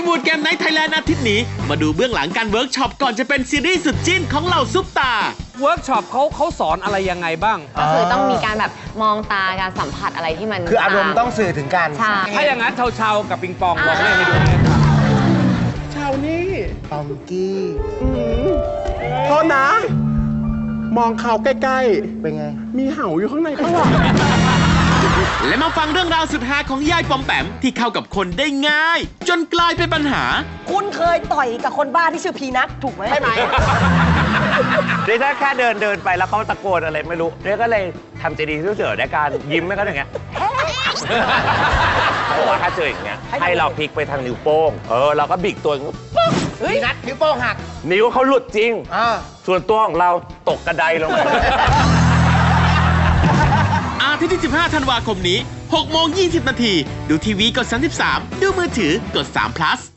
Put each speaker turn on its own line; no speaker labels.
วูดเกมไนท์ไทยแลนด์อาทิตย์นี้มาดูเบื้องหลังการเวิร์กช็อปก่อนจะเป็นซีรีส์สุดจิ้นของเหล่าซุปตา
เวิร์กช็อปเขาสอนอะไรยังไงบ้าง
ก็คือต้องมีการแบบมองตาการสัมผัสอะไรที่มัน
คืออารมณ์ต้องสื่อถึงกัน
ใช่
ถ้าอย่างนั้นเชากับปิงปองลองเล่นให้ดูเลยค่ะ
เชานี่
ปองกี้
โทษนะ มองเขาใกล้ๆ
เป็นไง
มีเห่าอยู่ข้างในเขาหรอ
และมาฟังเรื่องราวสุดฮาของยายปอมแปมที่เข้ากับคนได้ง่ายจนกลายเป็นปัญหา
คุณเคยต่อยกับคนบ้าที่ชื่อพีนัทถูกไหมใช่ไหม
เดี๋ยวถ้าแค่เดินไปแล้วเขาตะโกนอะไรไม่รู้เดี๋ยวก็เลยทำใจดีที่สุดในการยิ้มให้เขาอย่างเงี้ยเพราะว่าถ้าเจออย่างเงี้ยให้เราพลิกไปทางนิ้วโป้งเราก็บิกตัว
พีนัทนิ้วโป้งหัก
นิ้วเขาหลุดจริงส่วนตัวของเราตกกระไดลงไป
อาทิตย์ที่ 15 ธันวาคมนี้ 6:20 น.ดูทีวีกด 33 ดูมือถือกด3 plus